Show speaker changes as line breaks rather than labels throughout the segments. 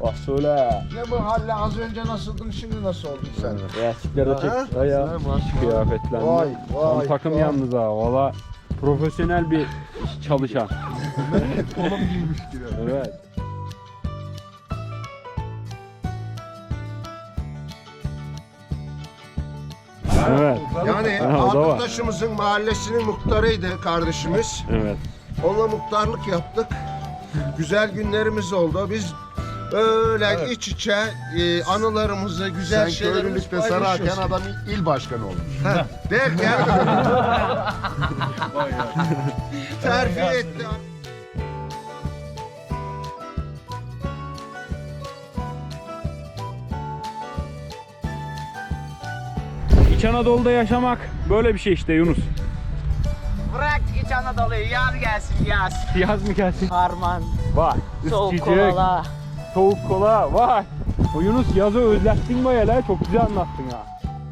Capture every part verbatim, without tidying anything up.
Bak söyle.
Ne bu halle, az önce nasıldın şimdi nasıl oldun sen?
Resimleri de çek.Aya kıyafetlendi.
Vay, vay,
Tam takım
vay.
yalnız ha. Valla profesyonel bir çalışan.
Kolum giymiş gibi.
Evet. Evet.
Yani
Ha, o da var.
Altıntaş'ımızın mahallesinin muhtarıydı kardeşimiz.
Evet.
Onunla muhtarlık yaptık. Güzel günlerimiz oldu. Biz öyle iç içe e, anılarımızı, güzel
Sen
şeylerimizi
köylülükte sararken
paylaşıyoruz.
adam il başkanı olmuş.
Derken terfi etti.
İç Anadolu'da yaşamak böyle bir şey işte Yunus.
Bırak İç Anadolu'yu, yaz gelsin yaz.
Yaz mı gelsin?
Harman,
Vay.
soğuk
ısıtıcı,
kola.
Soğuk kola. Vay. O Yunus yazı özlettin bayağı la. Çok güzel anlattın ha.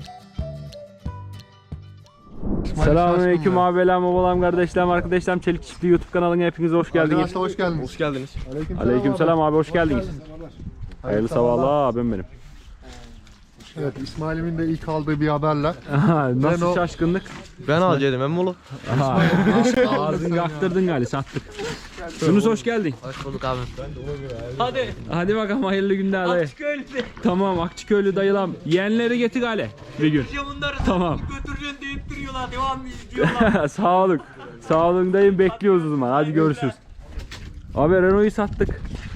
Selamünaleyküm abilerim, babalarım, kardeşlerim, arkadaşlarım. Çelik Çiftliği YouTube kanalına hepiniz hoş geldiniz.
Arkadaşlar hoş geldiniz.
Hoş geldiniz.
Aleykümselam abi, hoş geldiniz. Hayırlı sabahlar abim benim.
Evet, İsmail'imin de ilk aldığı bir haberle.
Nasıl
Renault-
şaşkınlık?
Ben alacaktım emmi oğlum.
Ağzını yaktırdın galiba, sattık. Yunus hoş geldin.
Hoş bulduk abi.
Hadi.
Hadi bakalım, hayırlı günler dayı.
Akçıköylü'de.
Tamam, Akçıköylü dayılam. Yeğenleri getir gale bir gün.
Bunları
Tamam.
götüreceksin deyip duruyorlar. Devamlı izliyorlar.
Sağ olun. Sağ olun dayım, bekliyoruz o zaman. Hadi görüşürüz. Abi Renault'u sattık.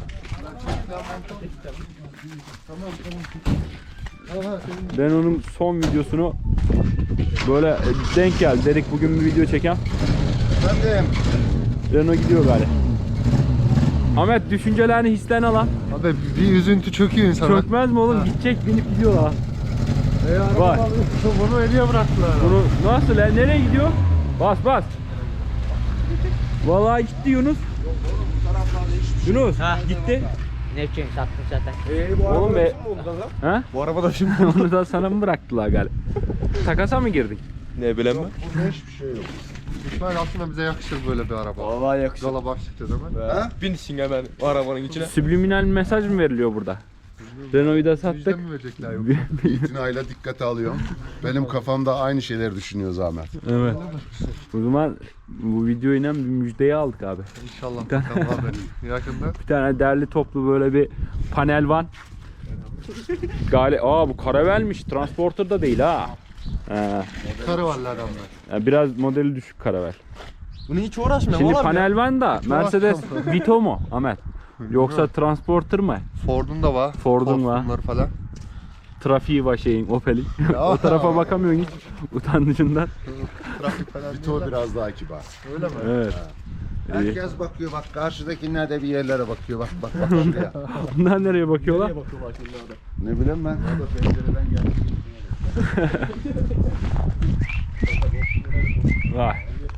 Renault'un son videosunu böyle denk geldi. Dedik bugün bir video çeken.
Efendim,
Renault gidiyor galiba. Ahmet, düşüncelerini, hislerini alan.
Abi bir üzüntü çöküyor insana.
Çökmez mi oğlum? Gidecek, binip gidiyorlar. Vay.
Bunu hediye bıraktılar.
Bunu nasıl lan? Nereye gidiyor? Bas bas. Vallahi gitti Yunus. Yunus gitti.
Ne için sattın zaten?
Oğlum be. Ha?
Bu araba da şimdi.
Onu da sana mı bıraktılar galiba? Takasa mı girdin?
Ne bileyim ben.
burada hiçbir şey yok.
İsmail aslında bize yakışır böyle bir araba.
Vallahi yakışır.
Yola başlayacağız hemen.
Ha?
Binsin hemen o arabanın içine.
Subliminal mesaj mı veriliyor burada? Renault'u da sattık.
Müjde mi verecekler yok?
İtinayla dikkate alıyorum. Benim kafamda aynı şeyleri düşünüyor Zahmet.
Evet. O zaman bu videoyla bir müjdeyi aldık abi.
İnşallah bakalım abi. Yakında.
Bir tane derli toplu böyle bir panel van. Gali, aa bu karavelmiş. Transporter da değil ha. He.
Karavalli adamlar.
Yani biraz modeli düşük karavel.
Bunu hiç uğraşmıyorum
Şimdi
oğlum
panel van da Mercedes Vito mu Ahmet? Yoksa Transporter mı?
Ford'un da var.
Ford'un var.
Bunlar falan.
Trafiği var şeyin, Opel'in. O tarafa bakamıyorsun hiç utanıcından.
Trafik falan.
Vito biraz daha kibar.
Öyle mi?
Evet. İyi.
Herkes bakıyor, bak karşıdakiler de bir yerlere bakıyor, bak bak bak şuraya.
Bunlar nereye bakıyorlar?
Ne bileyim ben. Pencereden gelmiş.
Vay.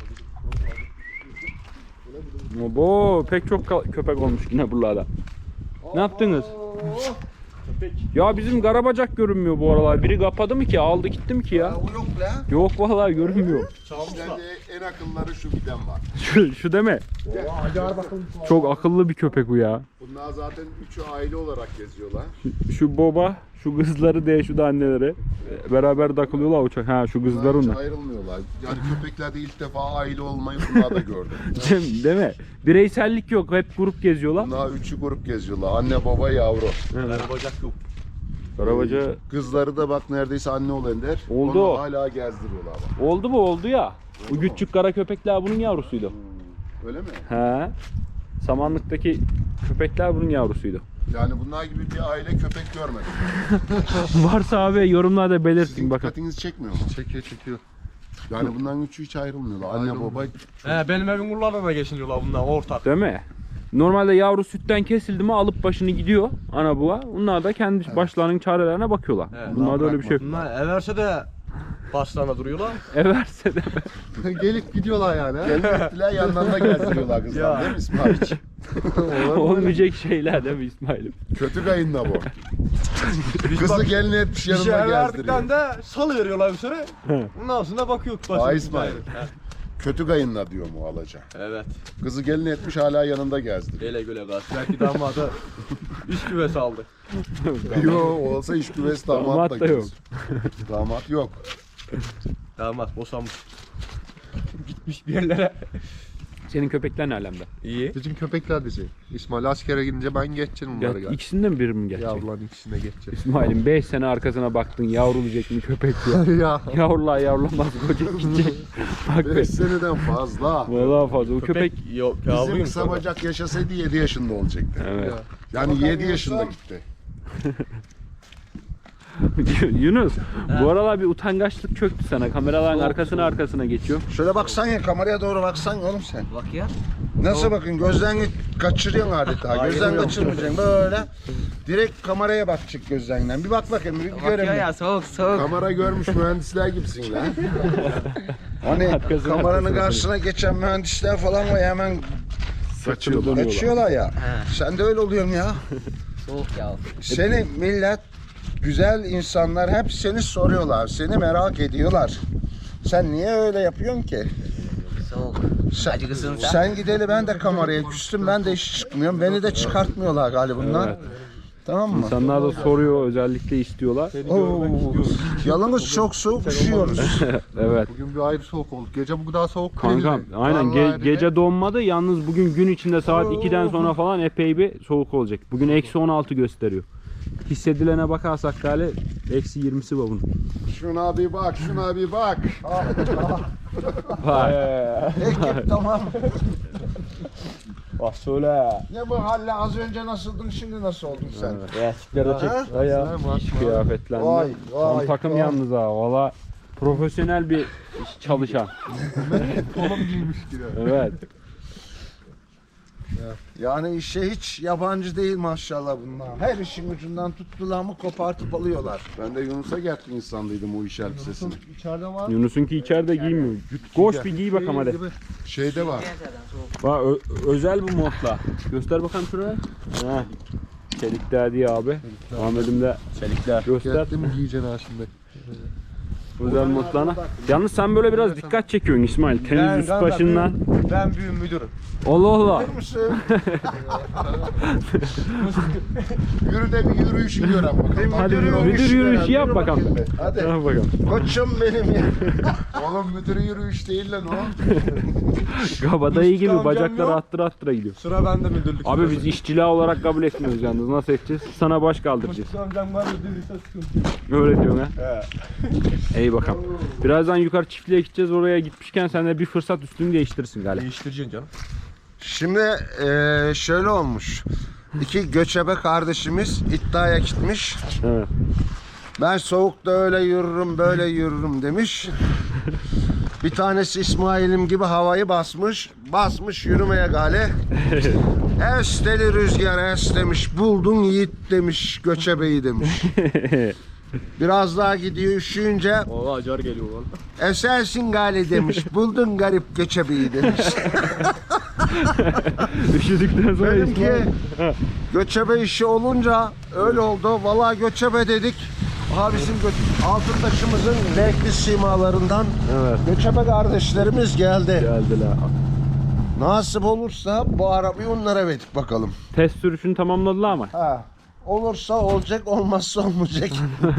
Bu pek çok ka- köpek olmuş yine buralarda. Ne yaptınız? Ya bizim Karabacak görünmüyor bu aralar. Biri kapadı mı ki? Aldı gitti mi ki ya?
O yok la.
Yok vallahi görünmüyor.
İşlerde en akılları şu giden var.
Şu, şu deme. Çok akıllı bir köpek bu ya.
Bunlar zaten üçü aile olarak geziyorlar.
Şu, şu baba, şu kızları de şu da anneleri. Beraber takılıyorlar uçak. Ha şu kızlar
Bunlar hiç
onlar.
ayrılmıyorlar. Yani köpeklerde ilk defa aile olmayı bunlar da gördüm.
Değil, değil mi? Bireysellik yok. Hep grup geziyorlar.
Bunlar üçü grup geziyorlar. Anne, baba, yavru.
Bacak yok.
Karabaca
Kızları da bak neredeyse anne olan der.
Oldu.
Onu hala gezdiriyorlar bak.
oldu mu oldu ya. Bu küçük kara köpekler bunun yavrusuydu.
Öyle mi?
He. Samanlıktaki köpekler bunun yavrusuydu.
Yani bunlar gibi bir aile köpek görmedim.
Varsa abi yorumlarda belirtin
Sizin
bakın.
dikkatinizi çekmiyor mu?
Çekiyor çekiyor.
Yani bunların üçü hiç ayrılmıyorlar. Anne, baba.
He benim evin kurlarına da geçiniyorlar bunlar ortak.
Değil mi? Normalde yavru sütten kesildi mi alıp başını gidiyor ana baba. Bunlar da kendi başlarının çarelerine bakıyorlar.
He,
Bunlarda öyle bir şey yok.
Bunlar everse de başlarına duruyorlar.
Everse de
Gelip gidiyorlar yani.
Gelmektiler yanlarında gezdiriyorlar kızlar değil mi İsmail?
olmayacak şeyler değil mi İsmail'im?
Kötü kayınla bu. Kızı gelin etmiş
Bir şey
yanında
verdikten
gezdiriyor.
de salı veriyorlar bir süre. Ondan sonra bakıyor başına.
Aa, İsmail.
Kötü kayınla diyor mu alaca.
Evet.
Kızı gelin etmiş hala yanında gezdiriyor.
Ele göle gaz. Belki damadı iş güvesi aldı.
Yok olsa iş güvesi damat
Damat
da
da yok.
gidiyor. Damat yok.
Damat boşanmış. Gitmiş bir yerlere.
Senin köpekler ne alemde?
İyi.
Bizim köpekler bizi. İsmail askere gidince ben geçeceğim
Ya,
bunları galiba.
ikisinden biri mi geçecek?
Yavruların ikisine geçeceğim.
İsmail'im beş sene arkasına baktın yavrulayacak mı köpek diye.
Ya.
Yavrular yavrulamaz koca gidecek. Bak be.
beş seneden fazla.
Vallahi fazla. O köpek...
yok
Bizim
yavruyum
kısa
sonra.
bacak yaşasaydı yedi yaşında olacaktı.
Evet.
Yani yedi yaşında gitti.
Yunus, bu aralar bir utangaçlık çöktü sana. Kameraların arkasına arkasına geçiyor.
Şöyle baksan ya, kameraya doğru baksan oğlum sen.
Bak ya.
Nasıl bakın, gözden kaçırıyorsun adeta. Gözden kaçırmayacaksın böyle. Direkt kameraya bakacak gözlerinden. Bir bak bakayım, bir
Bak ya
görelim.
ya soğuk soğuk.
Kamera görmüş mühendisler gibisin lan.
Hani
Arkasına,
kameranın
arkasına.
karşısına geçen mühendisler falan var ya, hemen
Kaçıyorlar.
kaçıyorlar ya.
He.
Sen de öyle oluyorsun ya.
Soğuk ya.
Seni millet, güzel insanlar hep seni soruyorlar. Seni merak ediyorlar. Sen niye öyle yapıyorsun ki?
Soğuk.
Sen,
Acıkısın sen.
sen gideli ben de kameraya küstüm. Ben de hiç çıkmıyorum. Beni de çıkartmıyorlar galiba bunlar.
Evet.
Tamam mı?
İnsanlar da soruyor, özellikle istiyorlar.
Oo, yalnız çok soğuk üşüyoruz.
Evet.
Bugün bir ayrı soğuk olduk. Gece bu kadar soğuk
Kankam
değildi.
aynen
Vallahi
ge-
dedi.
gece donmadı. Yalnız bugün gün içinde saat ikiden sonra falan epey bir soğuk olacak. Bugün eksi on altı gösteriyor. Hissedilene bakarsak galiba eksi yirmisi var bunun.
Şuna bir bak, şuna bir bak.
Vay.
Ekip tamam.
Bak söyle.
Ne bu halle, az önce nasıldın, şimdi nasıl oldun sen?
Resimlerde çek.
Ha?
Ya.
İş kıyafetlendi.
Vay,
Tam
vay,
takım
vay.
yalnız ha. Valla profesyonel bir çalışan.
Kolum giymiş gibi.
Evet.
Yani işe hiç yabancı değil maşallah bunlar. Her işin ucundan tuttular mı kopartıp alıyorlar.
Ben de Yunus'a gerçek insandıydım o iş elbisesini.
İçeride var.
Yunus'unki içeride giymiyor. Koş bir giy bakalım hadi.
Şeyde var.
Bak ö- özel bu modla. Göster bakalım şuraya. Heh. Çelikler diye abi. Ahmet'im de çelikler. Göster.
Geldi mi giyeceksin ha şimdi?
Özel modlarına. Yalnız sen böyle biraz dikkat çekiyorsun İsmail. Temiz
Ben-
üst
ben-
başından.
Ben büyüğüm müdürüm.
Allah Allah.
Yürü de bir yürüyüşü gören bakalım.
Hadi
Müdür
müdür
yürüyüşü
yürüyüşü
görelim.
yap
Yürü
bakalım.
bakayım be. Hadi.
Yap bakalım.
Koçum benim ya.
Oğlum müdürü yürüyüş değil lan o.
Kabadayı gibi
Amcam
bacakları
yok.
attıra attıra gidiyor.
Sıra bende müdürlük.
Abi biz işçila olarak kabul etmiyoruz yalnız. Nasıl edeceğiz? Sana baş kaldıracağız.
Amcam var müdürlükse sıkıntı.
Öyle diyorsun ha. İyi bakalım. Birazdan yukarı çiftliğe gideceğiz. Oraya gitmişken sen de bir fırsat üstünü değiştirsin galiba.
Değiştireceksin canım.
Şimdi eee, şöyle olmuş. İki göçebe kardeşimiz iddiaya gitmiş.
Evet.
Ben soğukta öyle yürürüm, böyle yürürüm demiş. Bir tanesi İsmail'im gibi havayı basmış. Basmış yürümeye gale. Es deli rüzgar es demiş. Buldun yiğit demiş. Göçebeyi demiş. Biraz daha gidiyor üşüyünce.
Oo acar geliyor valla.
Esersin gale demiş. Buldun garip göçebeyi demiş.
Üşüdükten sonra
Benimki
İsmail.
göçebe işi olunca öyle oldu. Vallahi göçebe dedik. Aha bizim gö- Altıntaş'ımızın renkli simalarından
Evet.
göçebe kardeşlerimiz geldi.
Geldiler.
Nasip olursa bu arabayı onlara verdik bakalım.
Test sürüşünü tamamladılar ama.
Ha. Olursa olacak, olmazsa olmayacak.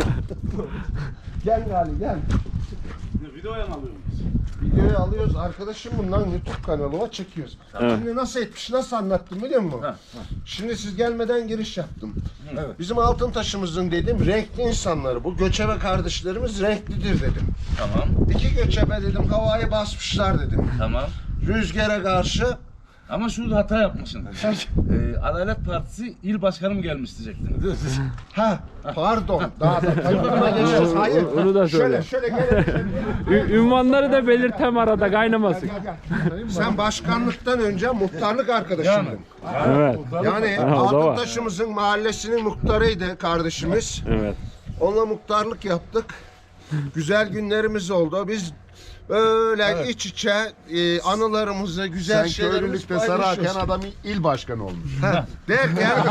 Gel Gali gel.
Videoya mı alıyorsun?
Videoyu alıyoruz arkadaşım, bundan YouTube kanalıma çekiyoruz.
Evet.
Şimdi nasıl etmiş, nasıl anlattım biliyor musun? Şimdi siz gelmeden giriş yaptım. Bizim altın taşımızın dedim renkli insanları, bu göçebe kardeşlerimiz renklidir dedim.
Tamam,
İki göçebe dedim havayı basmışlar dedim.
tamam.
Rüzgara karşı.
Ama şurada hata yapmışsın. ee, Adalet Partisi il başkanım gelmiş diyecektin.
Ha pardon, daha da tanıtımına geçeceğiz. Hayır.
Onu da söyle.
Şöyle şöyle gelelim.
Ü- ünvanları da belirtem arada kaynamasın.
Sen başkanlıktan önce muhtarlık arkadaşımdın.
Evet.
Yani
Ha, o da var.
Altıntaş'ımızın mahallesinin muhtarıydı kardeşimiz.
Evet.
Onunla muhtarlık yaptık. Güzel günlerimiz oldu. Biz böyle iç içe e, anılarımızı, güzel
Sen
şeylerimizi
köylülükte sararken
paylaşıyoruz.
adam il başkanı olmuş.
Ha, derken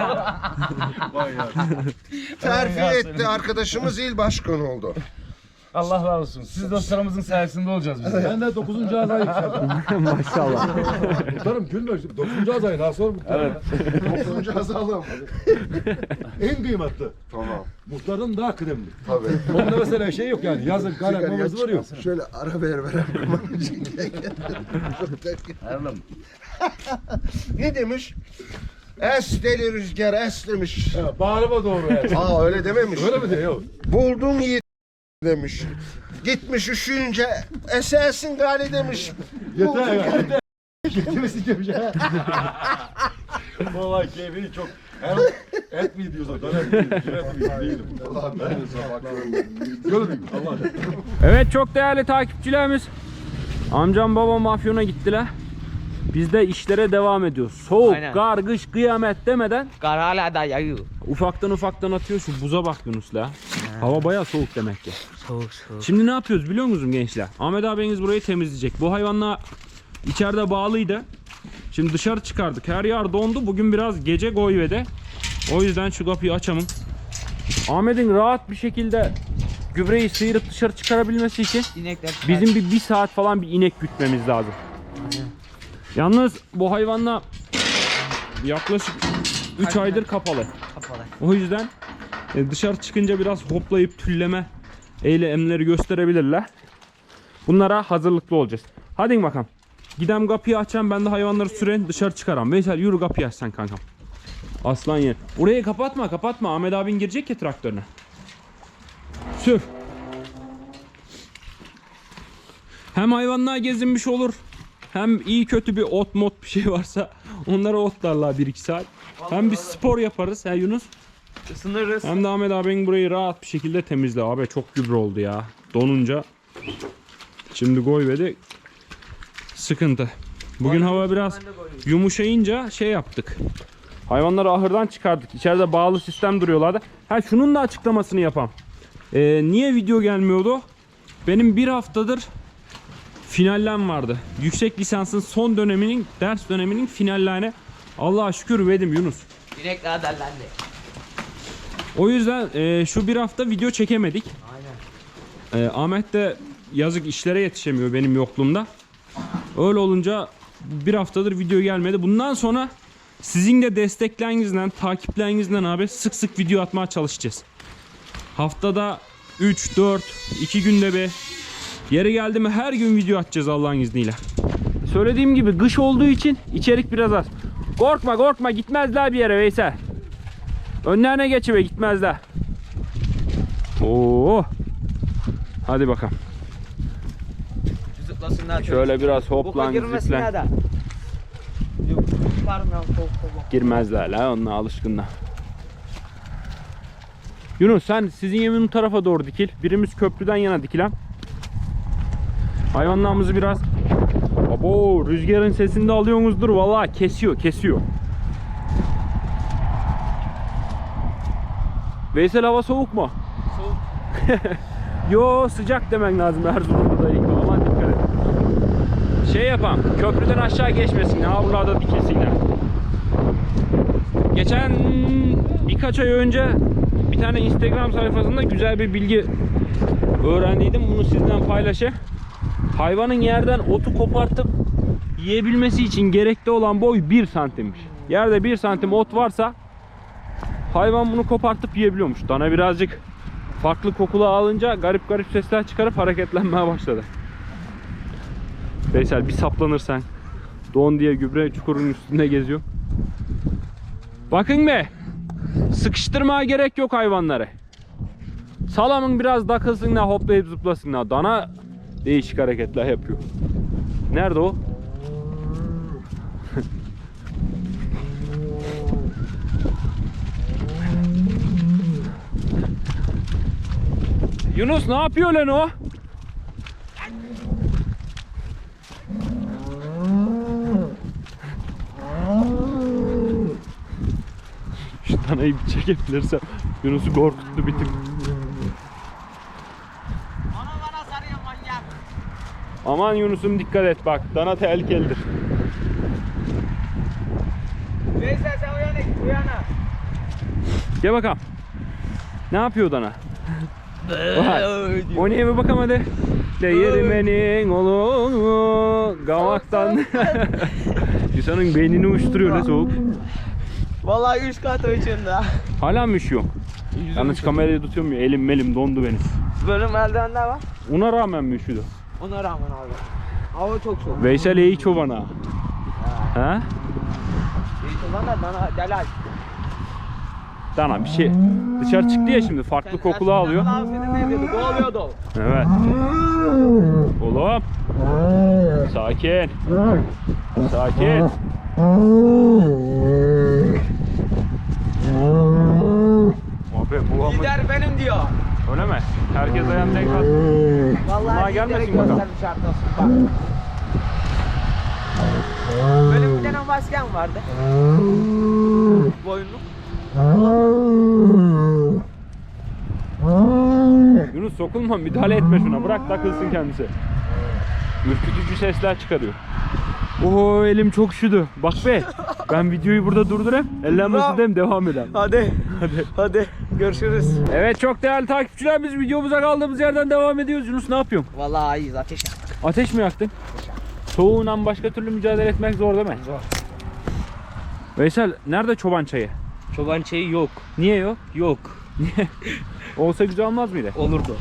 terfi etti arkadaşımız, il başkanı oldu.
Allah razı olsun. Siz dostlarımızın sayesinde olacağız biz. de.
Ben de dokuzuncu azayı yükseldim.
Maşallah.
Muhtarım gülme. dokuzuncu azayı daha sonra muhtarım. Evet.
dokuzuncu azalım.
En kıymetli.
Tamam.
Muhtarın daha kıdemli.
Tabii.
Onda mesela şey yok yani. Yazın kalem mamazı var yok.
Şöyle ara ver ver.
Erlem.
Ne demiş? Es deli rüzgar es demiş.
Ha, bağrıma doğru yani.
Aa öyle dememiş.
Öyle mi diyor? Yok.
Buldun yiğit demiş. Gitmiş üşüyünce esersin gali demiş.
Yeter ya. Yeter. Getirmesin demiş ha. Vallahi keyfini çok. Hem et mi diyorsun? Döner mi diyorsun? Et mi değilim.
Allah ben de bakıyorum.
Gördün mü? Allah aşkına.
Evet çok değerli takipçilerimiz. Amcam babam Afyon'a gittiler. Biz de işlere devam ediyoruz. Soğuk,
Aynen.
kar, kış, kıyamet demeden
Kar hala da yağıyor.
ufaktan ufaktan atıyor. Şu buza bak Yunus'la. Hava bayağı soğuk demek ki.
Soğuk soğuk.
Şimdi ne yapıyoruz biliyor musunuz gençler? Ahmet abiniz burayı temizleyecek. Bu hayvanlar içeride bağlıydı. Şimdi dışarı çıkardık. Her yer dondu. Bugün biraz gece koyvede. O yüzden şu kapıyı açamam. Ahmet'in rahat bir şekilde gübreyi sıyırıp dışarı çıkarabilmesi için
İnekler
bizim bir, bir saat falan bir inek gütmemiz lazım. Yalnız bu hayvanla yaklaşık üç aydır kapalı.
kapalı.
O yüzden e, dışarı çıkınca biraz hoplayıp tülleme eylemleri gösterebilirler. Bunlara hazırlıklı olacağız. Hadi bakalım. Gidem kapıyı açacağım, ben de hayvanları süren dışarı çıkaram. Veysel yürü kapıyı aç sen kankam. Aslan yer. Orayı kapatma kapatma. Ahmet abin girecek ya traktörüne. Sür. Hem hayvanlar gezinmiş olur. Hem iyi kötü bir ot mot bir şey varsa onları otlarlar bir iki saat. Hem bir spor yaparız he Yunus.
Isınırız.
Hem de Ahmet abinin burayı rahat bir şekilde temizle. Abi çok gübre oldu ya. Donunca. Şimdi koyvedi. Sıkıntı. Bugün hava biraz yumuşayınca şey yaptık. Hayvanları ahırdan çıkardık. İçeride bağlı sistem duruyorlardı. Ha şunun da açıklamasını yapam. Ee, niye video gelmiyordu? Benim bir haftadır finallem vardı. Yüksek lisansın son döneminin, ders döneminin finallerine Allah'a şükür verdim Yunus.
İnekler dellendi.
O yüzden e, şu bir hafta video çekemedik.
Aynen.
E, Ahmet de yazık işlere yetişemiyor benim yokluğumda. Öyle olunca bir haftadır video gelmedi. Bundan sonra sizin de desteklerinizden, takiplerinizden abi sık sık video atmaya çalışacağız. Haftada üç, dört, iki günde bir. Yeri geldi mi her gün video atacağız Allah'ın izniyle. Söylediğim gibi kış olduğu için içerik biraz az. Korkma korkma gitmezler bir yere Veysel. Önlerine geçiver gitmezler. Oo. Hadi bakalım.
Zıplasınlar.
Şöyle biraz
Boka
hoplan
girmesinler
zıplan.
de. Yok. Pardon ya, soğuk soğuk.
Girmezler la onunla alışkınlar. Yunus sen sizin yemin tarafa doğru dikil. Birimiz köprüden yana dikilen. Hayvanlarımızı biraz abo rüzgarın sesini de alıyorsunuzdur vallahi kesiyor kesiyor. Veysel hava soğuk mu?
Soğuk.
Yo sıcak demen lazım Erzurum'da da ilk. Aman dikkat et. Şey yapam köprüden aşağı geçmesin. Ha buralarda dikilsinler. Geçen birkaç ay önce bir tane Instagram sayfasında güzel bir bilgi öğrendiydim. Bunu sizden paylaşayım. Hayvanın yerden otu kopartıp yiyebilmesi için gerekli olan boy bir santimmiş. Yerde bir santim ot varsa hayvan bunu kopartıp yiyebiliyormuş. Dana birazcık farklı kokulu alınca garip garip sesler çıkarıp hareketlenmeye başladı. Veysel bir saplanırsan don diye gübre çukurun üstünde geziyor. Bakın be. Sıkıştırmaya gerek yok hayvanları. Salamın biraz takılsınlar, hoplayıp zıplasınlar. Dana değişik hareketler yapıyor. Nerede o? Yunus ne yapıyor lan o? Şu danayı bir çekebilirsem Yunus'u korkuttu bir tık.
Bana bana sarıyor manyak.
Aman Yunus'um dikkat et bak. Dana tehlikelidir.
Neyse sen uyana git uyana.
Gel bakalım. Ne yapıyor dana? Vay. O neye bir bakalım hadi. Değirmenin oğlu gamaktan. İnsanın beynini uçturuyor ne soğuk.
Vallahi üç kat uçunda.
Hala mı üşüyor? Yalnız kamerayı tutuyorum ya, elim melim dondu benim.
Bölüm eldivenler var.
Ona rağmen mi üşüdü?
Ona rağmen abi. Hava çok soğuk.
Veysel iyi çobana. Ha?
İyi lan da bana delal.
Dana bir şey dışarı çıktı ya şimdi farklı kokulu alıyor.
Senin ne dedi? Boğuluyordu.
Evet. Oğlum. Sakin. Sakin. Abi bu ama
Lider benim diyor.
öyle mi? Herkes ayağını denk at. Bunlar
Vallahi
gelmesin
lideri
bakalım.
göstermiş artık. Bak. Böyle bir tane maskem vardı. Boyunlu.
Yunus sokulma, müdahale etme şuna, bırak takılsın kendisi. Ürkütücü sesler çıkarıyor. Oo elim çok üşüdü. Bak be. Ben videoyu burada durdurayım. Ellenmesin dem devam edelim.
Hadi. Hadi. Hadi. Görüşürüz.
Evet çok değerli takipçiler, biz videomuza kaldığımız yerden devam ediyoruz. Yunus ne yapıyorsun?
Vallahi iyiyiz, ateş yaktık.
Ateş mi yaktın? Soğuğundan başka türlü mücadele etmek zor değil mi?
Zor.
Veysel nerede çoban çayı?
Çoban çayı yok.
Niye yok?
Yok.
Niye? Olsa güzel olmaz mıydı?
Olurdu.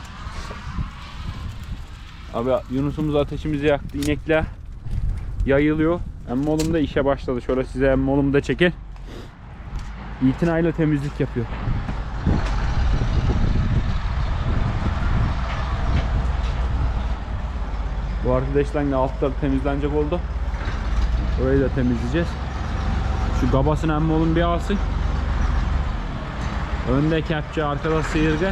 Abi Yunus'umuz ateşimizi yaktı. İnekler yayılıyor. Emmi oğlum da işe başladı. Şöyle size emmi oğlum da çekin. İtinayla temizlik yapıyor. Bu arkadaşlar altları temizlenecek oldu. Orayı da temizleyeceğiz. Şu gabasını emmi oğlum bir alsın. Önde kepçe, arkada sıyırga.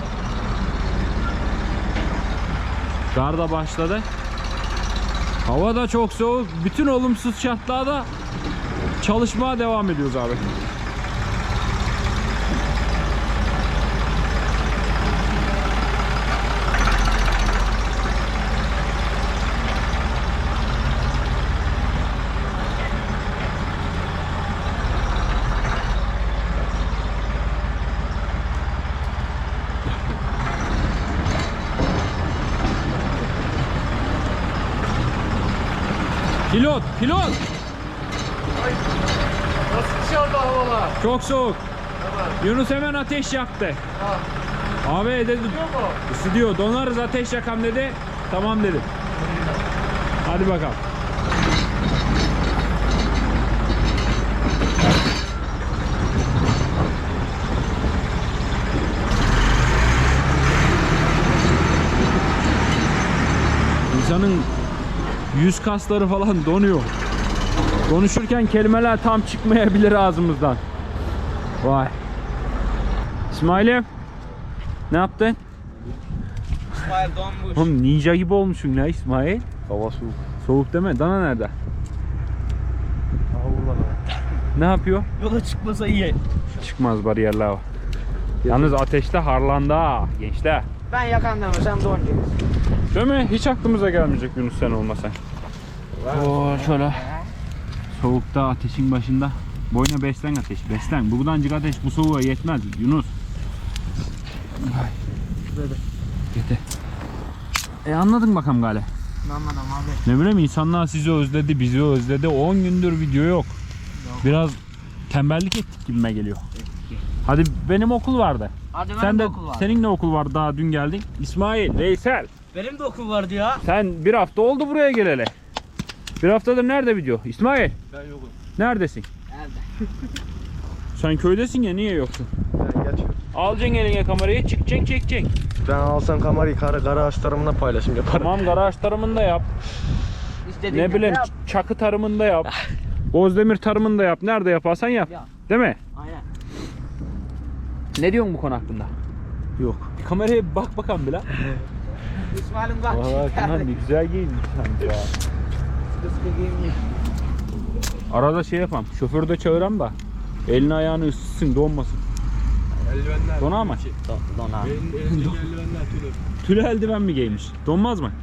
Kar da başladı. Hava da çok soğuk. Bütün olumsuz şartlarda çalışmaya devam ediyoruz abi. Pilot, pilot.
Nasıl dışarıda havalar?
Çok soğuk. Yunus hemen ateş yaktı. Abi dedi, ısıtıyor. Donarız ateş yakam dedi. Tamam dedim. Hadi bakalım. İnsanın yüz kasları falan donuyor. Konuşurken kelimeler tam çıkmayabilir ağzımızdan. Vay. İsmail'im. Ne yaptın?
İsmail donmuş.
Oğlum ninja gibi olmuşsun ya İsmail.
Hava soğuk.
Soğuk deme. Dana nerede?
Hava burada.
Ne yapıyor?
Yola çıkmasa iyi.
Çıkmaz, bariyerler var. Yalnız ateşte harlandı ha gençler.
Ben yakan demesem donacağız.
Değil mi? Hiç aklımıza gelmeyecek Yunus sen olmasan. Oo şöyle. Soğukta ateşin başında. Boyuna beslen ateş. Beslen. Buradan ateş bu soğuğa yetmez Yunus. Ay. Yeter. E anladın bakalım galiba.
Anladım abi.
Ne bileyim, insanlar sizi özledi, bizi özledi. on gündür video yok. Biraz tembellik ettik gibime geliyor. Hadi benim okul vardı.
Hadi benim
Sen de
okul var.
senin de okul vardı, daha dün geldin. İsmail, Veysel.
Benim de okul vardı ya.
Sen bir hafta oldu buraya geleli. Bir haftadır nerede video? İsmail.
Ben yokum.
Neredesin?
Nerede?
Sen köydesin ya, niye yoksun?
Ben geçiyorum.
Alacaksın eline kamerayı, çıkacaksın, çekeceksin.
Ben alsam kamerayı kara, garaj tarımına paylaşım yaparım.
Tamam, garaj tarımında yap.
İstediğin
Ne bileyim,
yap.
çakı tarımında yap. Bozdemir tarımında yap. Nerede yaparsan yap.
Yap.
Değil mi?
Aynen.
Ne diyorsun bu konu hakkında?
Yok.
Bir kameraya bir bak bakalım bile.
İsmail'im bak.
Valla Kenan ne güzel giyinmiş sen ya.
Sıkı giyinmiş.
Arada şey yapam. Şoförü de çağıram da elini ayağını ısıtsın, donmasın.
Eldivenler.
Dona mı?
Don abi.
Benim elimdeki eldivenler tülü.
Tülü eldiven mi giymiş? Donmaz mı?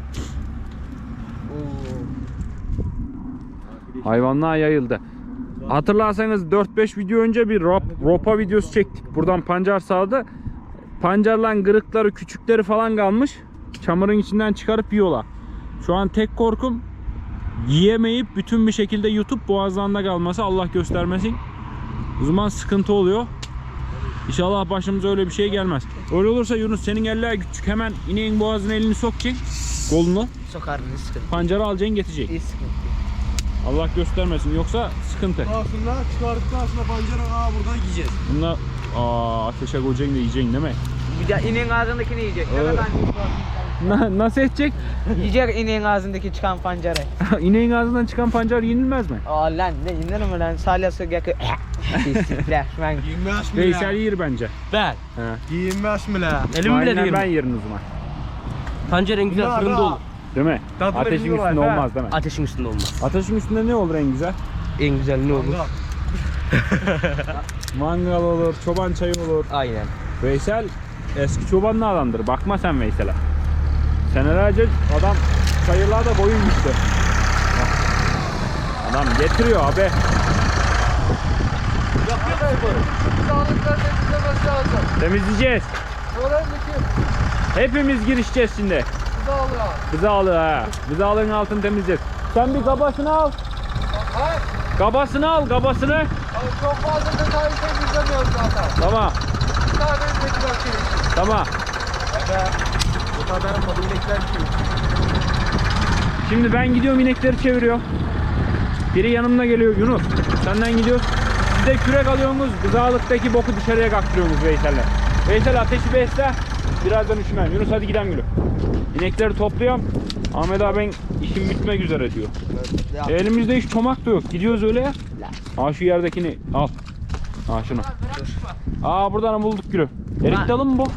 Hayvanlar yayıldı. Hatırlarsanız dört beş video önce bir rop, ropa videosu çektik. Buradan pancar sağdı. pancarlan kırıkları, küçükleri falan kalmış. Çamurun içinden çıkarıp yiyorlar. Şu an tek korkum yiyemeyip bütün bir şekilde yutup boğazlarında kalması, Allah göstermesin. O zaman sıkıntı oluyor. İnşallah başımıza öyle bir şey gelmez. Öyle olursa Yunus senin eller küçük, hemen ineğin boğazına elini sokacaksın, kolunu.
Sokarım sıkıntı.
Pancarı alacaksın, getireceksin.
İyi sıkıntı.
Allah göstermesin, yoksa sıkıntı.
Aslında çıkardıktan sonra pancarı aa buradan yiyeceğiz.
Bunlar aa, ateşe koyacaksın da yiyeceksin değil mi?
Bir de ineğin ağzındakini yiyecek. Ne
Evet.
kadar
Na, nasıl edecek?
yiyecek ineğin ağzındaki çıkan pancarı.
İneğin ağzından çıkan pancar yenilmez mi?
Aa lan ne inanır mı lan? Salyası yakı. İstikler. Ben
Yiyinmez mi
Veysel
la?
yer bence.
Ben.
He.
Yiyinmez mi la?
Elim bile
Aynen,
değil.
ben yerim o zaman.
Pancar en güzel
Bunlar
fırında
da-
olur.
Değil mi?
Tadı
Ateşin
veriyorlar,
üstünde
he.
olmaz değil mi?
Ateşin üstünde olmaz.
Ateşin üstünde ne olur en güzel?
En güzel ne olur?
Mangal olur, çoban çayı olur.
Aynen.
Veysel eski çobanlı adamdır. Bakma sen Veysel'e. Senelerce adam çayırlarda boyun gitti. Bak. Adam getiriyor abi.
Sağlıklar temizlemesi lazım.
Temizleyeceğiz.
Öğrenlik
Hepimiz girişeceğiz şimdi.
sağlığa.
Bızalı ha. Bızalığın altını temizleyeceğiz. Sen bir kabasını al.
Ha?
Kabasını al, kabasını.
Abi çok fazla detaylı temizlemiyoruz zaten.
Tamam,
Bir tane tekrar çevirsin.
tamam.
Bu kadar tadı inekler ki.
Şimdi ben gidiyorum, inekleri çeviriyorum. Biri yanımda geliyor, Yunus. Senden gidiyoruz. Siz de kürek alıyorsunuz. Gızalıktaki boku dışarıya kaktırıyorsunuz Veysel'le. Veysel ateşi besle. Birazdan üşümem. Yunus hadi gidelim gülüm. İnekleri topluyorum. Ahmet abi ben işim bitmek üzere diyor. E, elimizde hiç çomak da yok. Gidiyoruz öyle ya. Aa şu yerdekini al. Aa şunu. Aa buradan bulduk gülüm. Erik dalı mı bu?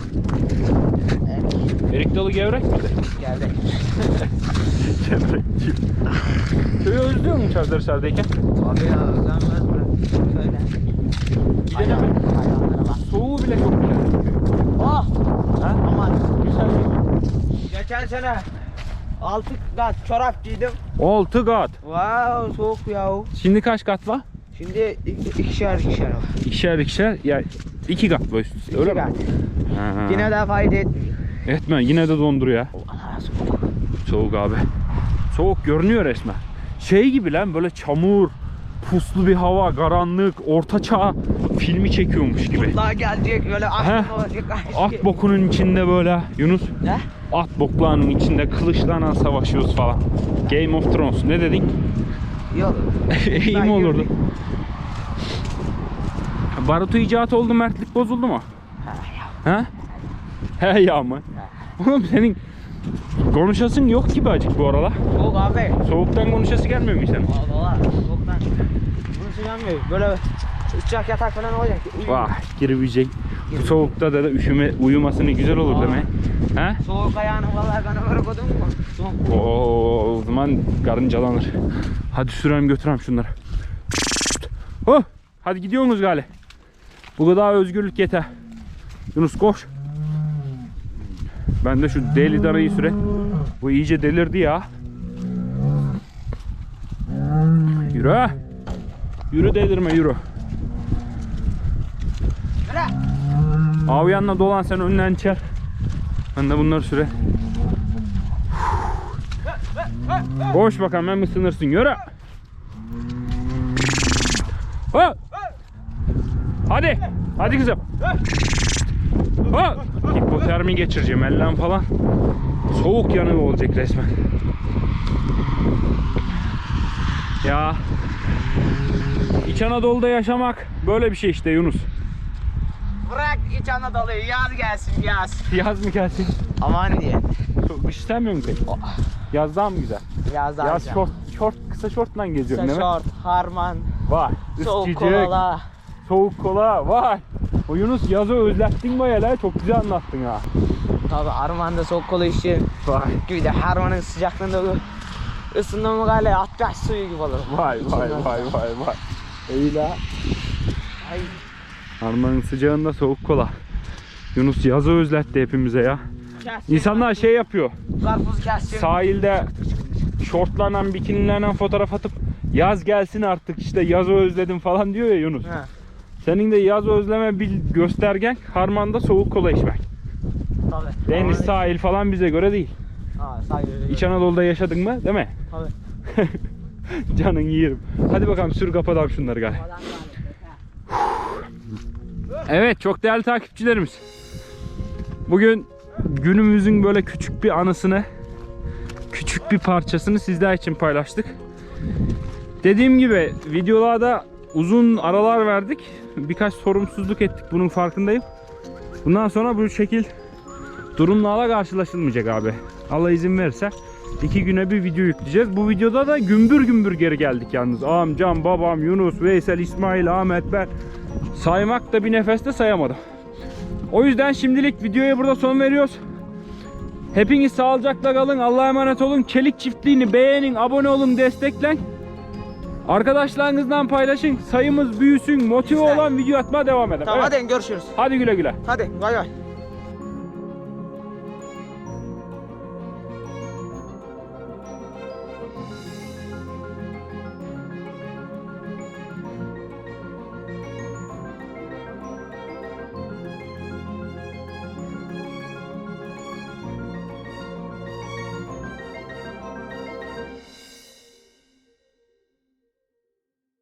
Erik dalı gevrek mi?
geldi.
Gevrek diyor. Köyü özlüyor musun Çavdarhisar'dayken?
Abi ya özlenmez mi? Şöyle.
Gidelim mi?
Hayvanlara bak.
Soğuğu bile çok güzel.
Oh!
Ha?
Aman.
Güzel.
Geçen sene altı kat çorap giydim.
Altı kat.
Wow soğuk ya.
Şimdi kaç kat var?
Şimdi iki- ikişer ikişer var.
İkişer ikişer. Ya iki kat var üst üste, öyle
İki
mi?
kat.
Ha.
Yine de fayda etmiyor.
Etme, yine de donduruyor.
Allah soğuk.
Soğuk abi. Soğuk görünüyor resmen. Şey gibi lan, böyle çamur, puslu bir hava, karanlık, orta çağ filmi çekiyormuş gibi.
Daha gelecek böyle
Heh.
aklım olacak.
At bokunun içinde böyle Yunus.
Ne?
At boklarının içinde kılıçlarla savaşıyoruz falan. Game of Thrones ne dedik?
Yok.
İyi mi olurdu? Barutu icat oldu, mertlik bozuldu mu? Ha? He ya mı? Oğlum senin konuşasın yok gibi acık bu aralar.
Soğuk abi.
Soğuktan konuşası gelmiyor mu senin?
Valla soğuktan. Bunu sıcamıyor. Böyle sıcak yatak falan olacak.
Vah girebilecek. Bu soğukta da, da üşüme uyumasını güzel olur değil mi? Ha?
Soğuk ayağını vallahi ben ömür koydum mu? Soğuk.
Oo, o zaman karıncalanır. Hadi sürelim götürelim şunları. Oh, hadi gidiyorsunuz gale. Bu kadar özgürlük yeter. Yunus koş. Ben de şu deli darayı süre. Bu iyice delirdi ya. Yürü. Yürü delirme yürü. Abi yanına dolan, sen önden çer. Ben de bunları süre. Koş bakalım, hem ısınırsın. Yürü. Ha. Hadi. Hadi kızım. Ha. Hipotermi geçireceğim elden falan. Soğuk yanığı olacak resmen. Ya. İç Anadolu'da yaşamak böyle bir şey işte Yunus.
Bırak İç Anadolu'yu yaz gelsin yaz.
Yaz mı gelsin?
Aman diye.
Kış istemiyor musun peki? Yaz daha mı güzel?
Yaz
Yaz şort, şort, kısa şortla geziyorsun değil mi?
Şort, harman,
Vay.
soğuk
ıskıcık,
kola.
Soğuk kola. Vay. O Yunus yazı özlettin baya la. Çok güzel anlattın ha.
Tabi harmanda soğuk kola işi.
Vay.
Gibi de harmanın sıcaklığında ısındı mı galiba atlaş suyu gibi olur.
Vay vay vay vay vay. İyi la.
Ay.
Harmanın sıcağında soğuk kola. Yunus yazı özletti hepimize ya.
Kestim.
İnsanlar şey yapıyor.
Karpuz kestim.
Sahilde şortlarla, bikinilerle fotoğraf atıp yaz gelsin artık işte yazı özledim falan diyor ya Yunus.
Ha.
Senin de yaz özleme bir göstergen harmanda soğuk kola içmek.
Tabii.
Deniz, sahil falan bize göre değil.
Aa, sahil.
İç Anadolu'da yaşadın mı, değil mi?
Tabii.
Canın yerim. Hadi bakalım sür kapatalım şunları galiba. Evet, çok değerli takipçilerimiz. Bugün günümüzün böyle küçük bir anısını, küçük bir parçasını sizler için paylaştık. Dediğim gibi videolarda uzun aralar verdik. Birkaç sorumsuzluk ettik, bunun farkındayım. Bundan sonra bu şekil durumlarla karşılaşılmayacak abi. Allah izin verirse iki güne bir video yükleyeceğiz. Bu videoda da gümbür gümbür geri geldik yalnız. Amcam, babam, Yunus, Veysel, İsmail, Ahmet, ben saymak da bir nefeste sayamadım. O yüzden şimdilik videoya burada son veriyoruz. Hepiniz sağlıcakla kalın. Allah'a emanet olun. Çelik çiftliğini beğenin, abone olun, desteklen. Arkadaşlarınızdan paylaşın. Sayımız büyüsün. Motive olan video atmaya devam edelim.
Tamam
Evet.
hadi görüşürüz.
Hadi güle güle.
Hadi bay bay.